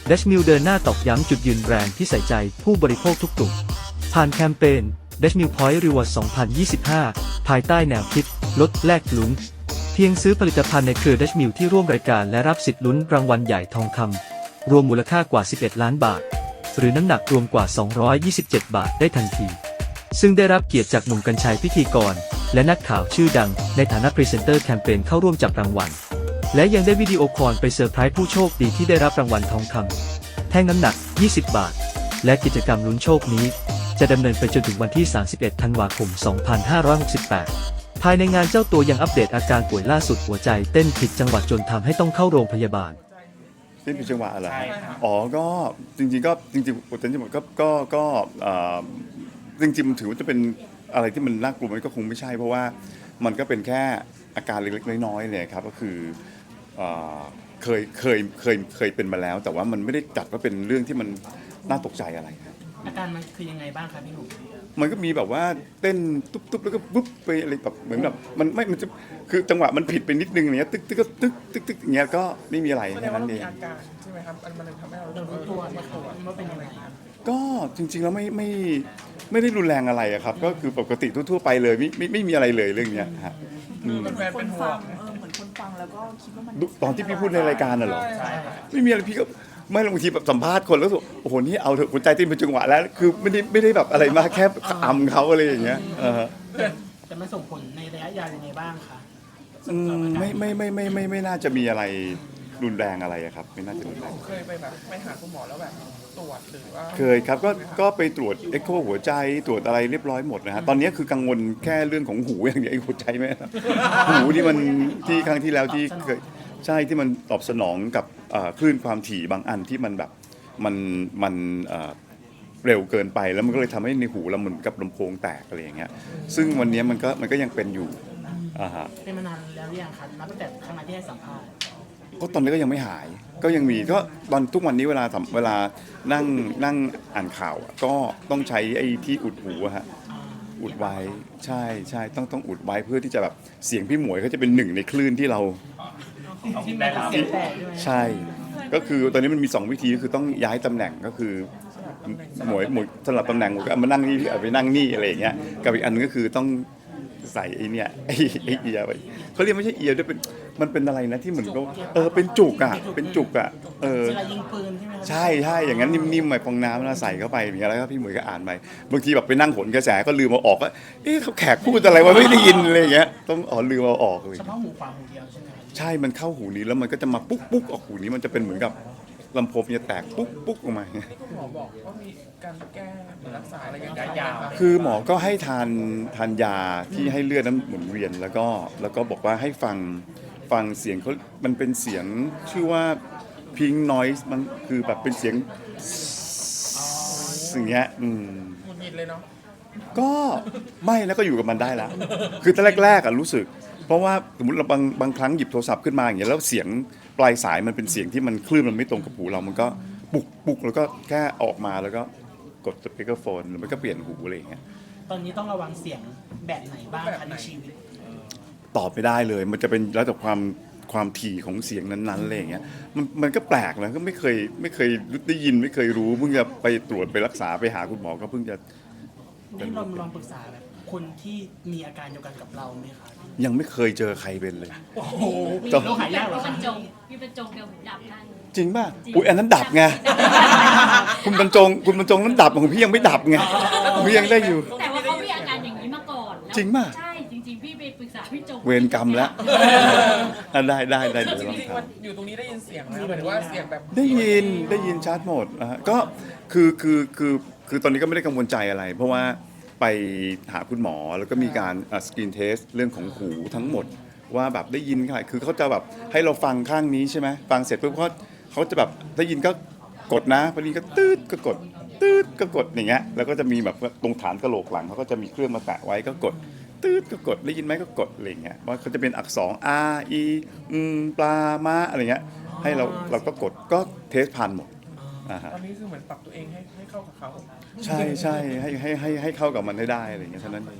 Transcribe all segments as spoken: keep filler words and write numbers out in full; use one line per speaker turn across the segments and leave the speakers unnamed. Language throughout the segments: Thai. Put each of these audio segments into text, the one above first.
ดัชมิลเดินหน้าตอกย้ำจุดยืนแบรนด์ที่ใส่ใจผู้บริโภคทุกกลุ่มผ่านแคมเปญ ดัชมิล Point Reward สองพันยี่สิบห้า ภายใต้แนวคิดลดแลกลุ้นเพียงซื้อผลิตภัณฑ์ในเครือดัชมิลที่ร่วมรายการและรับสิทธิ์ลุ้นรางวัลใหญ่ทองคำรวมมูลค่ากว่าสิบเอ็ดล้านบาทหรือน้ำหนักรวมกว่าสองร้อยยี่สิบเจ็ดบาทได้ทันทีซึ่งได้รับเกียรติจากหนุ่มกรรชัยพิธีกรและนักข่าวชื่อดังในฐานะพรีเซนเตอร์แคมเปญเข้าร่วมจับรางวัลและยังได้วิดีโอคอลไปเซอร์ไพรส์ผู้โชคดีที่ได้รับรางวัลทองคำแท่งน้ำหนักยี่สิบบาทและกิจกรรมลุ้นโชคนี้จะดำเนินไปจนถึงวันที่สามสิบเอ็ดธันวาคมสองพันห้าร้อยหกสิบแปดภายในงานเจ้าตัวยังอัปเดตอาการป่วยล่าสุดหัวใจเต้นผิดจังหวะจนทำให้ต้องเข้าโรงพยาบาล
เต้นผิดจังหวะอะไรอ๋อก็จริงๆก็จริงๆปวดเต้นจังหวะก็ก็ก็จริงๆมันถือว่าจะเป็นอะไรที่มันน่ากลัวมันก็คงไม่ใช่เพราะว่ามันก็เป็นแค่อาการเล็กๆน้อยๆเนี่ยครับก็คือเคยเคยเคยเคยเป็นมาแล้วแต่ว่ามันไม่ได้จัดว่าเป็นเรื่องที่มันน่าตกใจอะไร
อาการมันคือยังไงบ้างครับพี่หนุ่ม
มันก็มีแบบว่าเต้นตุ๊บๆแล้วก็ปุ๊บไปอะไรแบบเหมือนแบบมันไม่มันจะคือจังหวะมันผิดไปนิดนึงอย่างเงี้ยตึ๊กตึ๊กตึ๊กตึ๊กตึ๊กอย่างเงี้ยก็ไม่มีอะไรแค่นั้นเอง
อาการใช่ไหมครับมันเลยทำให้เรา
รู้ตัวไหมครับว่าเป็นยังไง
ก็จริงๆแล้วไม่ไม่ไม่ได้รุนแรงอะไรอะครับก็คือปกติทั่วๆไปเลยไม่ไม่ไม่มีอะไรเลยเรื่องเนี้ยฮะ
เหมือนคนฟัง
เออเหมือนคนฟังแล้วก็คิดว่ามัน
ตอนที่พี่พูดในรายการน่ะเหรอไม่มีอะไรพี่ก็ไม่บางทีแบบสัมภาษณ์คนแล้วโอ้โหนี่เอาเถอะหัวใจเต้นเป็นจังหวะแล้วคือไม่ได้ไม่ได้แบบอะไรมากแค่อำเขาอะไรอย่างเงี้ย
จะมันส่งผลในระยะยาวยังไงบ้างคะ
ไม่ไม่ไม่ไม่ไม่ไม่น่าจะมีอะไรรุนแรงอะไรครับไม่น่าจะรุนแรง
เคยไปแบบไปหาคุณหมอแล้วแบบตรวจหรือว่า
เคยครับก็ก็ไปตรวจเอ็กโคหัวใจตรวจอะไรเรียบร้อยหมดนะฮะตอนนี้คือกังวลแค่เรื่องของหูอย่างเดียวไอ้หัวใจไหมหูที่มันที่ครั้งที่แล้วที่เคยใช่ที่มันตอบสนองกับคลื่นความถี่บางอันที่มันแบบมันมันเร็วเกินไปแล้วมันก็เลยทำให้ในหูเราเหมือนกับลำโพงแตกอะไรอย่างเงี้ยซึ่งวันนี้มันก็มันก็ยังเป็นอยู่อ่าฮะ
เป็นมานานแล้วหรือยังครับนับตั้งแต่ครั้งที่ให้สัมภาษณ์
ก็ตอนนี้ก็ยังไม่หายก็ยังมีก็ตอนทุกวันนี้เวลาเวลานั่งนั่งอ่านข่าวก็ต้องใช้ไอ้ที่อุดหูฮะอุดไว้ใช่ใช่ต้องต้องอุดไว้เพื่อที่จะแบบเสียงพี่หมวยเขาจะเป็นหนึ่งในคลื่นที่เราใช่ก็คือตอนนี้มันมีสองวิธีก็คือต้องย้ายตำแหน่งก็คือหมวยหมวยสลับตำแหน่งก็มานั่งนี่เอาไปนั่งนี่อะไรอย่างเงี้ยกับอีกอันนึงก็คือต้องใส่ไอ้เนี่ยไอ้ไอ้เอียร์ไว้เขาเรียกไม่ใช่เอียร์ด้วยเป็นมันเป็นอะไรนะที่เหมือนก็เออเป็นจุกอ่ะเป็นจุกอ่ะเออ
ยิงปืนใช่ไหม
ใช่ใช่อย่างนั้นนิ่มๆไปฟองน้ำแล้วใส่เข้าไปอย่างเงี้ยแล้วก็พี่หมวยก็อ่านไปบางทีแบบไปนั่งผลกระแสก็ลืมเอาออกก็เอ๊ะเขาแขกพูดอะไรวะไม่ได้ยินอะไรอย่างเงี้ยต้องอ๋อลืมเอาออกเลย
เฉพาะหูขวาหูเดียวใช่ไหม
ใช่มันเข้าหูนี้แล้วมันก็จะมาปุ๊กปุ๊กออกหูนี้มันจะเป็นเหมือนกับลำโพงจะแตกปุ๊กปุ๊กออกมา
ที่คุณหมอบอกว่ามีการแก้รักษาอะไรอย่างเงี้ยยาว
คือหมอก็ให้ทานทานยาที่ให้เลือดนั้นหมุนเวียนแล้วก็แล้วก็บอกว่าให้ฟังฟังเสียงเขามันเป็นเสียงชื่อว่า pink noise มันคือแบบเป็นเสียงสิ่งเงี้ยอืม
หงุดหงิดเลยเนาะ
ก็ไม่แล้วก็อยู่กับมันได้แล้วคือตอนแรกๆอ่ะรู้สึกเพราะว่าสมมติเราบางบางครั้งหยิบโทรศัพท์ขึ้นมาอย่างเงี้ยแล้วเสียงปลายสายมันเป็นเสียงที่มันคลื่นมันไม่ตรงกับหูเรามันก็ปุกปุกแล้วก็แค่ออกมาแล้วก็กดสปีกเกอร์โฟนหรือไม่ก็เปลี่ยนหูอะไรอย่างเงี้ย
ตอนนี้ต้องระวังเสียงแบบไหนบ้างคะในชีวิต
ตอบไม่ได้เลยมันจะเป็นแล้วแต่ความความถี่ของเสียงนั้นๆอะไรอย่างเงี้ยมันมันก็แปลกนะก็ไม่เคยไม่เคยได้ยินไม่เคยรู้เพิ่งจะไปตรวจไปรักษาไปหาคุณหมอก็เพิ่งจะ
ได้ลองลองปรึกษาแบบคนที่มีอาการเดียวกันกับเราไหมคะ
ยังไม่เคยเจอใครเป็นเลย
โอ้โหเราหายากเหรอคะ
พี่บรรจงพี่บรรจงเดี๋ยวดับได้
จริงป่ะอุ้ยอันนั้นดับไงคุณบรรจงคุณบรรจงนั้นดับของพี่ยังไม่ดับไงพี่ยังได้อยู่
แต่ว่าเขามีอาการอย่างนี้มาก่อน
จริงป่ะ
ใช่จริงๆพี่ไปปรึกษาพี่จง
เวรกรรมแล้วได้ได้ได้เดี๋ยวลองทำ
อยู่ตรงนี้ได้ยินเสียงไหมหมายถึงว่าเสียงแบบ
ได้ยินได้ยินชัดหมดนะฮะก็คือคือคือคือตอนนี้ก็ไม่ได้กังวลใจอะไรเพราะว่าไปหาคุณหมอแล้วก็มีการสกรีนเทสเรื่องของหูทั้งหมดว่าแบบได้ยินค่ะคือเขาจะแบบให้เราฟังข้างนี้ใช่ไหมฟังเสร็จปุ๊บเขาเขาจะแบบได้ยินก็กดนะพอดีก็ตืดก็กดตืดก็กดอย่างเงี้ยแล้วก็จะมีแบบตรงฐานกะโหลกหลังเขาก็จะมีเครื่องมาแตะไว้ก็กดตืดก็กดได้ยินไหมก็กดอะไรเงี้ยว่าเขาจะเป็นอักษร R E อืมปลาม้าอะไรเงี้ยให้เราเราก็กดก็เทสผ่านหมด
ตอนนี้คือเหมือนปรับตัวเองให้ให้เข้ากับเขา
ใช่ใช่ให้ให้ให้ให้เข้ากับมันให้ได้อะไรเงี้ยเท่านั้นเอง
เขา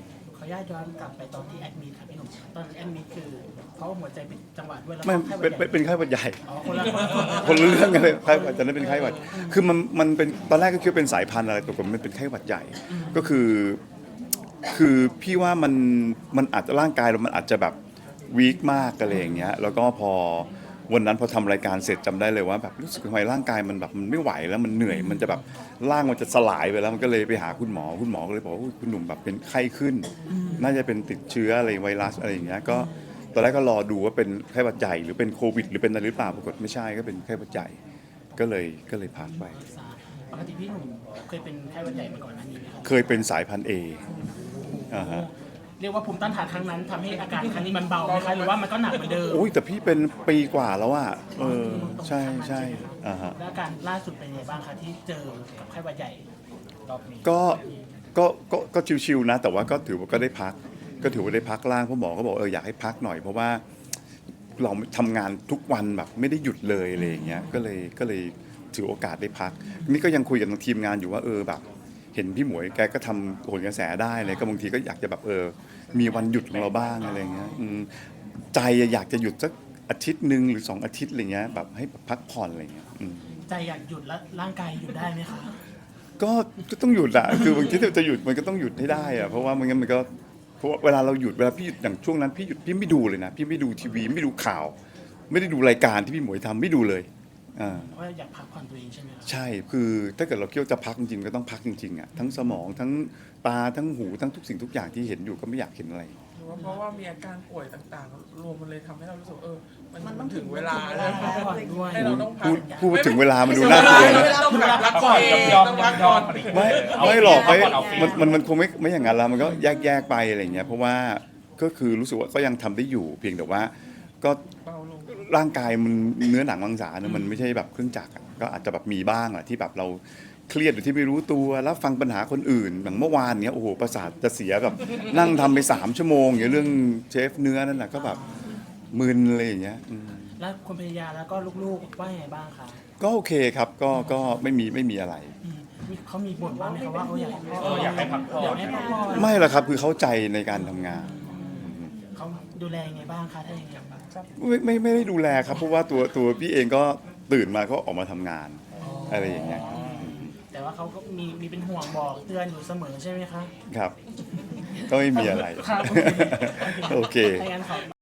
ออนุญาตย้อนกลับไปตอนที่แอดมิดครับพี่หนุ่มตอนแอดมิดคือเขาหัวใจเป็นจังหวะด้วยแล้ว
ไม่
ก็ไข้หวั
เป็
ด
น
ใหญ่
เป็นเป็นไข้หวัดใหญ่
อ๋อคนละคน
คนละเรื่องกันเลยไข้หวัดตอนนั้นเป็นไข้หวัดคือมันมันเป็นตอนแรกก็คิดว่าเป็นสายพันธุ์อะไรปรากฏมันเป็นไข้หวัดใหญ่ก็คือ คือพี่ว่ามันมันอาจจะร่างกายเรามันอาจจะแบบวีคมากอะไรอย่างเงี้ยแล้วก็พอวันนั้นพอทำรายการเสร็จจำได้เลยว่าแบบรู้สึกทำไมร่างกายมันแบบมันไม่ไหวแล้วมันเหนื่อยมันจะแบบร่างมันจะสลายไปแล้วมันก็เลยไปหาคุณหมอคุณหมอก็เลยบอกว่าอุ๊ยคุณหนุ่มแบบเป็นไข้ขึ้น น่าจะเป็นติดเชื้ออะไรไวรัสอะไรอย่างเงี้ยก็ตอนแรกก็รอดูว่าเป็นไข้หวัดใหญ่หรือเป็นโควิดหรือเป็นอะไรหรือเปล่าปรากฏไม่ใช่ก็เป็นไข้หวัดใหญ่ก็เลยก็เลยพักไป
ปกติพี่หนุ่มเคยเป็นไข้หวัดใหญ่มาก่อนหน้านี้ไหมครับ
เคยเป็นสายพันธุ์เออ่าฮะ
เรียกว่าภูมิต้านทานครั้งนั้นทำให้อาการครั้งนี้มันเบาไหมคะหรือว่ามันก็หนักเหมือนเดิม
โอ้ยแต่พี่เป็นปีกว่าแล้วอ่ะเออใช่ใช่อ่าฮะ
แล้วอาการล่าสุดเป็นยังไงบ้างคะที่เจอกับไข้หวัดใหญ่รอบนี้
ก็ก็ก็ก็ชิวๆนะ แต่ว่าก็ถือว่าก็ได้พัก ก็ถือว่าได้พักล่างเพราะหมอก็บอกเอออยากให้พักหน่อยเพราะว่าเราทำงานทุกวันแบบไม่ได้หยุดเลยอะไรอย่างเงี้ยก็เลยก็เลยถือโอกาสได้พัก นี่ก็ยังคุยกับทางทีมงานอยู่ว่าเออแบบ เห็นพี่หมวยแกก็ทำโหนกระแสได้เลยก็บางทีก็อยากจะแบบเออมีวันหยุดของเราบ้างอะไรอย่างเงี้ยอืมใจอยากจะหยุดสักอาทิตย์หนึ่งหรือสองอาทิตย์อะไรเงี้ยแบบให้แบบพักผ่อนอะไรเงี้ยอืม
ใจอยากหยุดแล้วร่างกายหยุดได้ไหมคะ
ก็ก็ต้องหยุดอะคือบางทีถ้าจะหยุดมันก็ต้องหยุดให้ได้อะเพราะว่าไม่งั้นมันก็เพราะว่าเวลาเราหยุดเวลาพี่หยุดอย่างช่วงนั้นพี่หยุดพี่ไม่ดูเลยนะพี่ไม่ดูทีวีไม่ดูข่าว ไม่ได้ดูรายการที่พี่หมวยทำไม่ดูเลยอ่า
เพราะว่าอยากพักผ่อนตัวเองใช่ไหมครับ
ใช่คือถ้าเกิดเราคิดว่าจะพักจริงๆก็ต้องพักจริงๆอะทั้งสมองทั้งตาทั้งหูทั้งทุกสิ่งทุกอย่างที่เห็นอยู่ก็ไม่อยากเห็นอะไร
หรือว่าเพราะว่ามีอาการป่วยต่างๆ รวมมันเลยทำให้เรารู้สึกเออ มัน
มันต้
มั
อน ง
ถึงเวลา
ถึงเว
แล้
ลา
ว
พักผ่อนด้วย
ให้เราต้องพั
พู
ก
ดพูดถึงเวลามันดูน่ากลัวนะ
ต้องพักรักก่อนต้องพักก่อน
ไม่ไม่หรอกไม่มันมันมันคงไม่ไม่อย่างนั้นแล้วมันก็แยกแยกไปอะไรอย่างเงี้ยเพราะว่าก็คือรู้สึกว่าก็ยังทำได้อยู่ เพียงแต่ว่าก็
เบาลง
ร่างกายมันเนื้อหนังมังสาเนี่ยมันไม่ใช่แบบเครื่องจักรอะก็อาจจะแบบมีบ้างแหละที่แบบเราเครียดหรือที่ไม่รู้ตัวแล้วฟังปัญหาคนอื่นอย่างเมื่อวานเนี้ยโอ้โหประสาทจะเสียแบบนั่งทำไปสามชั่วโมงอย่างเรื่องเชฟเนื้อนั่นแหละก็แบบมึนอะไรอย่างเงี้ยอืม
แล้วคุณภรรยาแล้วก็ลูกๆว่ายังไงบ้างคะ
ก็โอเคครับก็ก็ไม่มีไม่มีอะไร
อืมมีเขามีบ่นบ้างไหมคะว่าเขาอยากให้พ่อ
อยากให้พักผ่อน
อยากให้พักผ่อน
ไม่หรอกครับคือเข้าใจในการทำงาน
เขาดูแลยังไงบ้างคะถ้าอย่างเงี้ย
ไม่ไม่ไม่ได้ดูแลครับเพราะว่าตัวตัวพี่เองก็ตื่นมาก็ออกมาทำงานอะไรอย่างเงี้ย
แต่ว่าเขาก็มีมีเป็นห่วงบอกเตือนอยู่เสมอใช่ไหมคะ
ครับ ก็ไม่มีอะไร
ครับ
โอเค
ถ้างั้นขอ